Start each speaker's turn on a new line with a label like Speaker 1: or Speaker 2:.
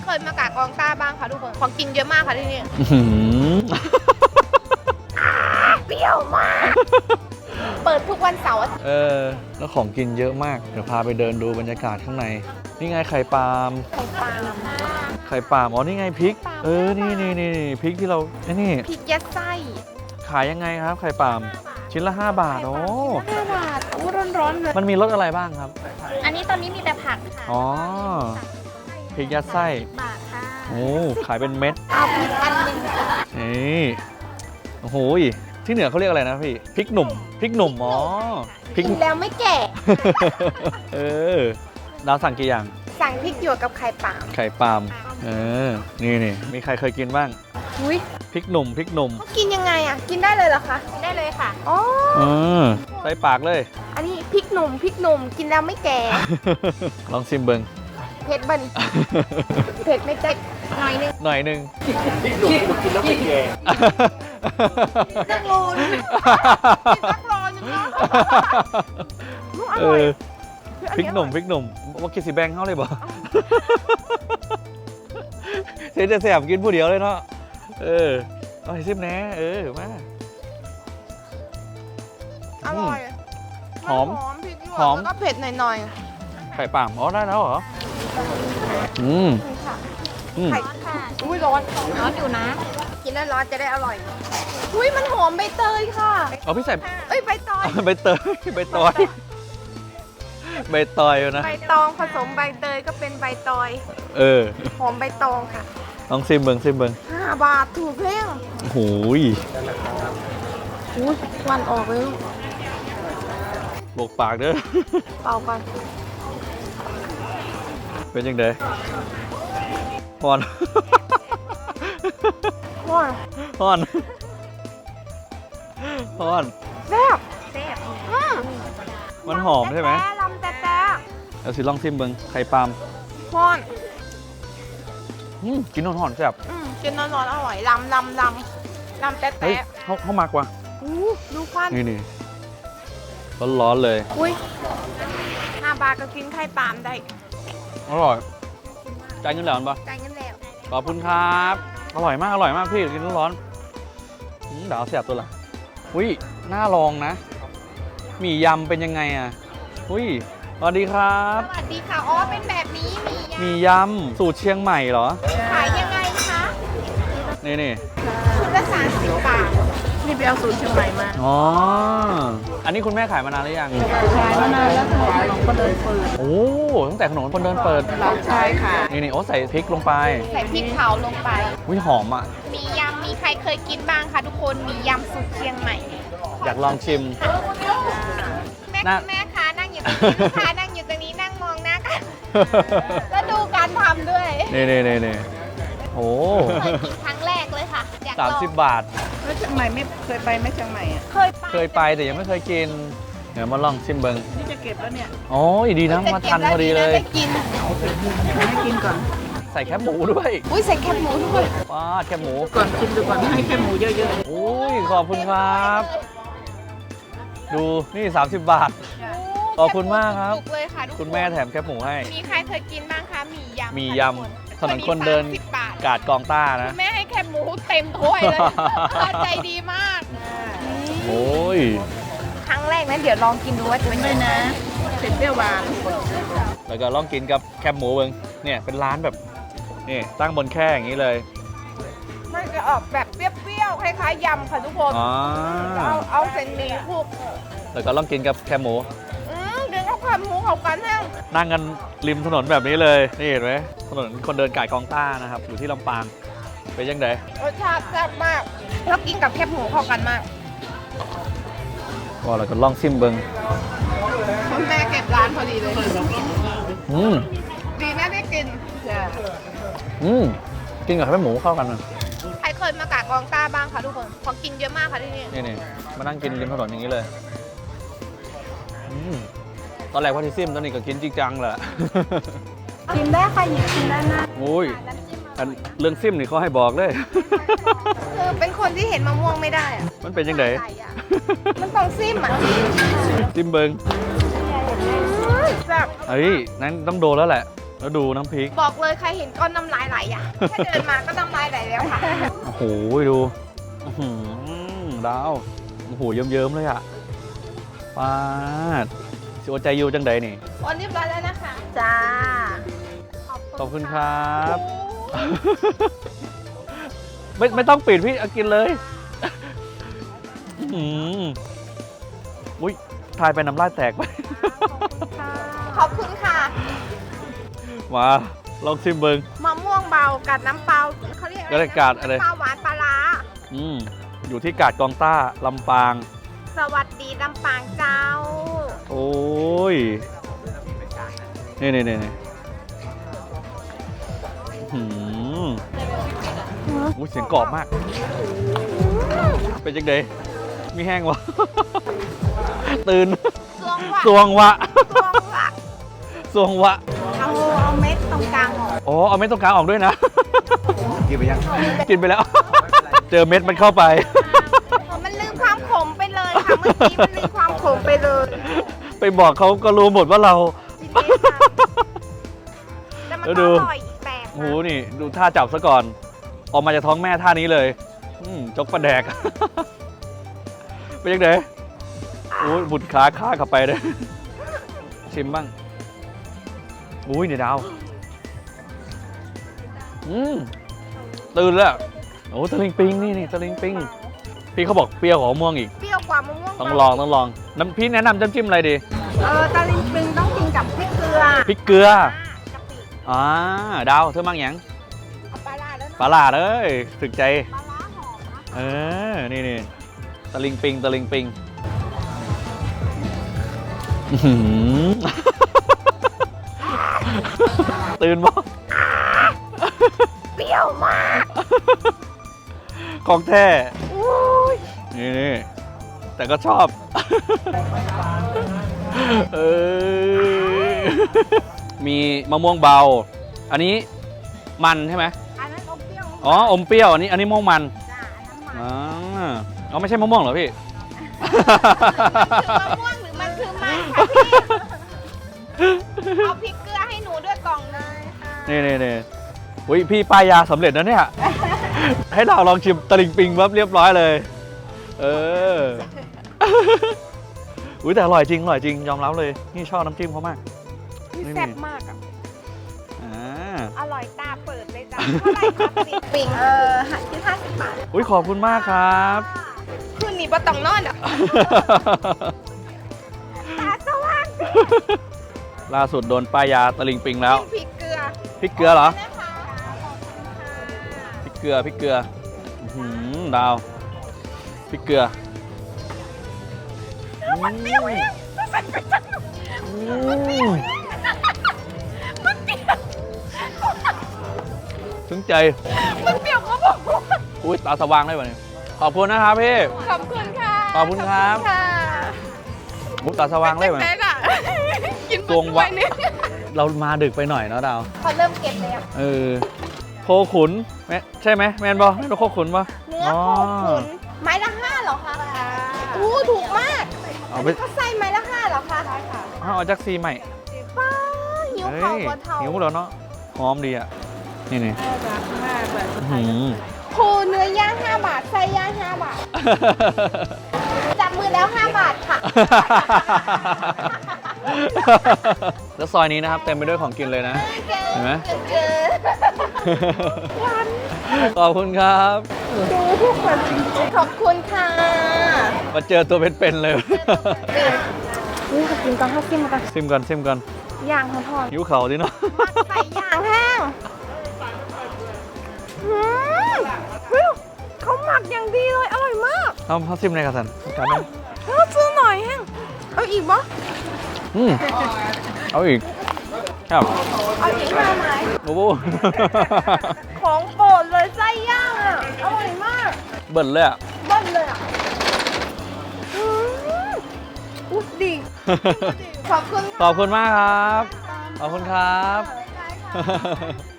Speaker 1: เคยมากะกองต้าบ้างคะทุกคนของกินเยอะมากค่ะที่นี่เปรี้ยวมากเปิดทุกวันเสาร์
Speaker 2: แล้วของกินเยอะมากเดี๋ยวพาไปเดินดูบรรยากาศข้างในนี่ไงไข่ปาล์มไข่ปาล์มอ๋อนี่ไงพริกนี่พริกที่เรานี่
Speaker 1: พริกยัดไส้
Speaker 2: ขายยังไงครับไข่ปาล์มชิ้นละ5 บาทโอ้
Speaker 1: 5 บาทอู้ร้อนๆเลย
Speaker 2: มันมีรสอะไรบ้างครับ
Speaker 3: อันนี้ตอนนี้มีแต่ผักค่ะ
Speaker 2: อ๋อพริกยัดไส้
Speaker 3: บาทค่ะ
Speaker 2: โอ้ขายเป็นเม็ด
Speaker 1: เอาพริกอันนึง
Speaker 2: นี่โอ้โหที่เหนือเขาเรียกอะไรนะพี่พริกหนุ่มอ๋อ
Speaker 1: พริกแล้วไม่แก่
Speaker 2: ดาวสั่งกี่อย่าง
Speaker 1: สั่งพริกหยวกกับไข่ปาล์
Speaker 2: มนี่มีใครเคยกินบ้าง
Speaker 1: อุ้ย
Speaker 2: พริกหนุ่ม
Speaker 1: เขากินยังไงอ่ะกินได้เลยเหรอคะ
Speaker 3: กินได้เลยค่ะ
Speaker 1: อ๋อ
Speaker 2: ใส่ปากเลย
Speaker 1: อันนี้พริกหนุ่มกินแล้วไม่แก่
Speaker 2: ลองชิมเบิ้ง
Speaker 1: เผ็ดบันเผ็ดไม่เจ็บหน่อยนึง
Speaker 2: พริกหนุ่มกินแล้วไม่แก่
Speaker 1: นักโลนึงอร่อย
Speaker 2: พริกหนุ่มว่ากินสีแบงเข้าเลยบ่เสียจะแสบกินผู้เดียวเลยเนาะเอาให้ซิมแน่มา
Speaker 1: อร่อย
Speaker 2: หอม
Speaker 1: พริกหยวกแล้วก็เผ็ดหน่อย
Speaker 2: ไข่ปาล์มอ๋อได้แล้วเหรอ
Speaker 1: ไข่อุ้ยร้อน
Speaker 3: อยู่นะ
Speaker 1: กินแล้วร้อนจะได้อร่อยอุ้ยมันหอมใบเตยค่ะ
Speaker 2: พี่ใส่
Speaker 1: ใบตอย
Speaker 2: ใบตอยนะ
Speaker 1: ใบตองผสมใบเตยก็เป็นใบตอยหอมใบตองค่ะ
Speaker 2: ลองซิมเบิง
Speaker 1: 5 บาทถูกเพียง
Speaker 2: โอ้ย
Speaker 1: วันออกเลย
Speaker 2: บอกปากเด้อ
Speaker 1: เป่าก่อน
Speaker 2: เป็นยังไงฮอน
Speaker 1: แซ่บ
Speaker 2: มันหอมใช่ไหม
Speaker 1: ลำแต่
Speaker 2: เอาสิลองซิมเบิงไข่ปาล์ม
Speaker 1: ฮ้อน
Speaker 2: กินหอนแซ่บ
Speaker 1: กินร้อนอร่อยลำแต่
Speaker 2: เขามากกว่า
Speaker 1: ดูควัน
Speaker 2: นี่ร้อนเลย
Speaker 1: อุ้ย5 บาทก็กินไข่ปาล์มได้
Speaker 2: อร่อยจ่ายเงินแล้วปะ
Speaker 1: จ่ายเงินแล้ว
Speaker 2: ขอบคุณครับอร่อยมากพี่กินร้อนเดี๋ยวเสียบตัวละน่าลองนะหมี่ยำเป็นยังไงอ่ะสวัสดีครับ
Speaker 1: สวัสดีค่ะอ๋อเป็นแบบนี้
Speaker 2: หมี่ยำสูตรเชียงใหม่เหรอ
Speaker 1: ขายยังไงคะ
Speaker 2: นี่
Speaker 1: ชุดละ30 บาทนี่ไปเอาสูตรเชียงใหม่มา
Speaker 2: อ๋ออันนี้คุณแม่ขายมานานหรือยัง
Speaker 1: ขายมานานแล้วขนมคนเดินเปิด
Speaker 2: โอ้ตั้งแต่ขนมคนเดินเปิด
Speaker 1: ใช่ค่ะ
Speaker 2: นี่ใส่พริกลงไป
Speaker 1: ใส่พริกเผาลงไป
Speaker 2: หอมอ่ะ
Speaker 1: มียำมีใครเคยกินบ้างคะทุกคนมียำสูตรเชียงใหม่
Speaker 2: อยากลองชิม
Speaker 1: แม่ค้านั่งอยู่ตรงนี้ลูกค้านั่งอยู่ตรงนี้นั่งมองหน้ากันแล้วดูการทำด้วย
Speaker 2: นี่โอ้
Speaker 1: เคยกินครั้งแรกเลยค่ะ
Speaker 2: 30 บาท
Speaker 1: แล้วเชียงใหม่ไม่เคยไปไหมเชียงใหม่อ่ะ
Speaker 2: เคยไปแต่ยังไม่เคยกินเดี๋ยวมาลองชิมเบิ้ง
Speaker 1: นี่จะเก็บแล้วเนี่ย
Speaker 2: โอ้ยดีนะมาทันพอดีเลย
Speaker 1: ให้กินก่อน
Speaker 2: ใส่แคบหมูด้วย
Speaker 1: ใส่แคบหมูด้วย
Speaker 2: ว้าแคบหมู
Speaker 1: ก่อนกินดูก่อนให้แคบหมูเยอะ
Speaker 2: ๆขอบคุณครับดูนี่30 บาทขอบคุณมากครับคุณแม่แถมแคบหมูให้
Speaker 1: มีใครเคยกินบ้างคะหมี่ย
Speaker 2: ำถนนคนเดินกาดกองต้านะ
Speaker 1: แม่ให้แคบหมูเต็มถ้วยเลยใจดีมาก
Speaker 2: โอ้ย
Speaker 1: ครั้งแรกนะเดี๋ยวลองกินดูว่าจะเป็นยังไงนะเผ็ดเปรี้ยวหวาน
Speaker 2: แล้วก็ลองกินกับแคบหมูเบิ้งเนี่ยเป็นร้านแบบนี่ตั้งบนแค่อย่างนี้เลย
Speaker 1: มันจะออกแบบเปรี้ยวๆคล้ายๆยำค่ะทุกคนเอาเส้นหมี่คลุก
Speaker 2: แล้วก็ลองกินกับแคบหมู
Speaker 1: เดินเข้าแคบหมูเข้ากัน
Speaker 2: นั่งกันริมถนนแบบนี้เลยนี่เห็นไหมถนนคนเดินกาดกองต้านะครับอยู่ที่ลำปางเป็นยังไง
Speaker 1: รสชาติแซ่บมากแล้วกินกับแคบหมูเข้ากันมาก
Speaker 2: ก็เราก็ลองซิมเบิ้ง
Speaker 1: คุณแม่เก็บร้านพอดีเลยดีนะได้กิน
Speaker 2: กินกับแคบหมูเข้ากันนะ
Speaker 1: ใครเคยมากะกองต้าบ้างคะทุกคนของกินเยอะมากค่ะที่นี่
Speaker 2: นี่มานั่งกินริมถนนอย่างนี้เลยตอนแรกว่าที่ซิมตอนนี้ก็กินจริงจังแหละ
Speaker 1: กินได้ค่ะหยิบกินได้นะ
Speaker 2: โอ้ยเรื่องซิมนี่เขาให้บอกเลย
Speaker 1: คือเป็นคนที่เห็นมะม่วงไม่ได้อะ
Speaker 2: มันเป็นยังไง
Speaker 1: มันต้องซิมอ่ะ
Speaker 2: ซิมเบิง
Speaker 1: แบบ
Speaker 2: นั้นต้องโดนแล้วแหละแล้วดูน้ำพริก
Speaker 1: บอกเลยใครเห็นก้อนน้ำลายไหลอ่ะแค่เดินมาก็น้ำลายไหลแล้วค่ะ
Speaker 2: โอ้โหดูอื้อหือดาวโอ้โหเยิ้มๆเลยอ่ะปาดสิโอใจยูจังใดนี่
Speaker 1: โอนเรียบร้อยแล้วนะคะจ้า
Speaker 2: ขอบคุณครับ ไม่ต้องปิดพี่เอากินเลยอื้อหืออุ้ยทายไปน้ำลายแตกไป
Speaker 1: ขอบคุณค่ะ
Speaker 2: มาลองชิมเบิง
Speaker 1: มะม่วงเบากัดน้ำเปล่าเขาเรียก
Speaker 2: ก็ได้กาดอะไร
Speaker 1: น้ำเปล่าหวานปลาร้า
Speaker 2: อยู่ที่กาดกองต้าลำปาง
Speaker 1: สวัสดีลำปางเจ้า
Speaker 2: โอ้ย นี่หืมอุ้ยเสียงกรอบมาก เป็นจังไดมีแห้งวะ ตื่น
Speaker 1: สวงว่ะ
Speaker 2: สวงวะ
Speaker 1: สวงว่ะ
Speaker 2: สวงวะ
Speaker 1: เอาเม็ดตรงกลางออก
Speaker 2: อ๋อ เอาเม็ดตรงกลางออกด้วยนะ กินไปยัง กินไปแล้ว เจอเม็ดมันเข้าไป
Speaker 1: มันลืมความขมไปเลยค่ะ เมื่อกี้มันลืมความขมไปเลย
Speaker 2: ไปบอกเขาก็รู้หมดว่าเรา
Speaker 1: จริงๆค่ะแต่มัน
Speaker 2: แล้ว
Speaker 1: ก็
Speaker 2: ดู
Speaker 1: อร่อยอีกแบบ
Speaker 2: โอ้โห
Speaker 1: นะ
Speaker 2: นี่ดูท่าจับซะก่อน ออกมาจากท้องแม่ท่านี้เลยจกปลาแดก เป็นยังไงโอ้ยบุดขาเข้าไปเลย ชิมบ้างอุ้ยเนี่ยดาวตื่นแล้วโอ้ตะลิงปิงนี่ตะลิงปิงพี่เขาบอกเปรี้ยวกว่ามะม่วงอีก
Speaker 1: เปรี้ยวกว่ามะม่วง
Speaker 2: ต้องลองน้ำพี่แนะนำจิ้มอะไรดี
Speaker 1: ตะลิงปิงต้องกินกับพริกเกลือ
Speaker 2: พริกเกลือ
Speaker 1: กะปิ
Speaker 2: ดาวเธอมั่งหยัง
Speaker 1: เอาปลาร้าแล้ว
Speaker 2: ปลา
Speaker 1: เนาะ
Speaker 2: หลาดเอ้ยถึกใจ
Speaker 1: ปลาร้าหอมนะ
Speaker 2: นี่ตะลิงปิงอื้อหือ ตื่นบ่
Speaker 1: เปรี้ยวมาก
Speaker 2: ของแท้
Speaker 1: อุ้ย
Speaker 2: นี่แต่ก็ชอบ มีมะม่วงเบา อันนี้มันใช่ไหม
Speaker 1: อันนั้นอมเปรี้ยว
Speaker 2: อ๋ออมเปรี้ยวอันนี้ม่วงมัน
Speaker 1: จ้าอันนั้นมัน
Speaker 2: อ๋อไม่ใช่มะม่วงเหรอพี่
Speaker 1: มันคือมะม่วงหรือมันคือมันคะพี่เอาพริกเกลือให้หนูด้วยกล่องเลยค่ะ
Speaker 2: นี่อุ้ยพี่ป้ายยาสำเร็จนะเนี่ย ให้เราลองชิมตะลิงปิงปั๊บเรียบร้อยเลย อุ้ยแต่อร่อยจริงยอมรับเลย นี่ชอบน้ำจิ้มเขามาก
Speaker 1: นี่แซ่บมากอ่ะ
Speaker 2: อ่า
Speaker 1: อร่อยตาเปิดเลยจ้ะเท่าไหร่คะปิงปิงคิด50 บาท
Speaker 2: อุ้ยขอบคุณมากครับ
Speaker 1: คืนนี้บ่ต้องนอนอ่ะตาสว่าง
Speaker 2: ล่าสุดโดนป้ายยาตะลิงปิงแล้ว
Speaker 1: พริกเกลือ
Speaker 2: พริกเกลือเหรอ
Speaker 1: นะคะ
Speaker 2: พริกเกลืออื้อหือดาวพริกเกลือ
Speaker 1: มันเปรี้ยวเองมันเปรี้ยว
Speaker 2: ถึงใจ
Speaker 1: มันเปรี้ยวเขาบอกว่า
Speaker 2: อุ้ยตาสว่างเลยวันนี้ขอบคุณนะครับพี่
Speaker 1: ขอบคุณค่ะ
Speaker 2: ขอบคุณครับ
Speaker 1: ค่ะ
Speaker 2: อุ้ยตาสว่างเลยวัน
Speaker 1: แม่
Speaker 2: นี้
Speaker 1: ล่ะกิน
Speaker 2: ตวงวะ
Speaker 1: ไปนึง
Speaker 2: เรามาดึกไปหน่อยเนาะดาว
Speaker 1: เขาเริ่มเก็บแล้ว
Speaker 2: โคขุนใช่ไหมแมนบอแมนบอโคขุนปะ
Speaker 1: เนื้อโคขุนไม้ละ5เหรอคะอู้ถูกมาก
Speaker 2: เอาไป
Speaker 1: เขาใส่ไม้ละ5เหรอคะใช่ค่ะ
Speaker 2: เอาจากซีใหม่
Speaker 1: ป้าหิว
Speaker 2: เฮ้
Speaker 1: เข่าย บนเทา
Speaker 2: หิวแล้วเนาะหอมดีอ่ะนี่
Speaker 1: รักมากแบบ
Speaker 2: อื้อหือ
Speaker 1: โคเนื้อย่าง5 บาทไส้ย่าง5 บาท จับมือแล้ว5 บาทค่ะ
Speaker 2: แล้วซอยนี้นะครับเต็มไปด้วยของกินเลยนะ เห็นไหม
Speaker 1: เกินวัน
Speaker 2: ขอบคุณครับ
Speaker 1: ดูทุกคนจริงๆขอบคุณค่ะ
Speaker 2: มาเจอตัวเป็นๆเลย
Speaker 1: นี่ขอกินก่อนข้าวซิมก่อน
Speaker 2: ซิมก่อน
Speaker 1: ย่างทอด
Speaker 2: หิวเข่าดิเนาะ
Speaker 1: ๆใส่ย่างแห้งเฮ้ยเขาหมักอย่างดีเลย อร่อยมาก
Speaker 2: เอาซิมในกระสันกันนะ
Speaker 1: ซื้อหน่อยแห้งเอาอีกปะ
Speaker 2: เอาอีกครับ
Speaker 1: เอาอีกมาไหม
Speaker 2: โอ้โห
Speaker 1: ของโปรดเลยไส้ย่างอ่ะ อร่อยมาก
Speaker 2: เบิ่นเลยอ่ะ
Speaker 1: เบิ้ลเลยอ่ะอุ๊ยดี ขอบคุณ
Speaker 2: ขอบคุณมากครับ ขอบคุณครับ
Speaker 1: ใช่ค่ะ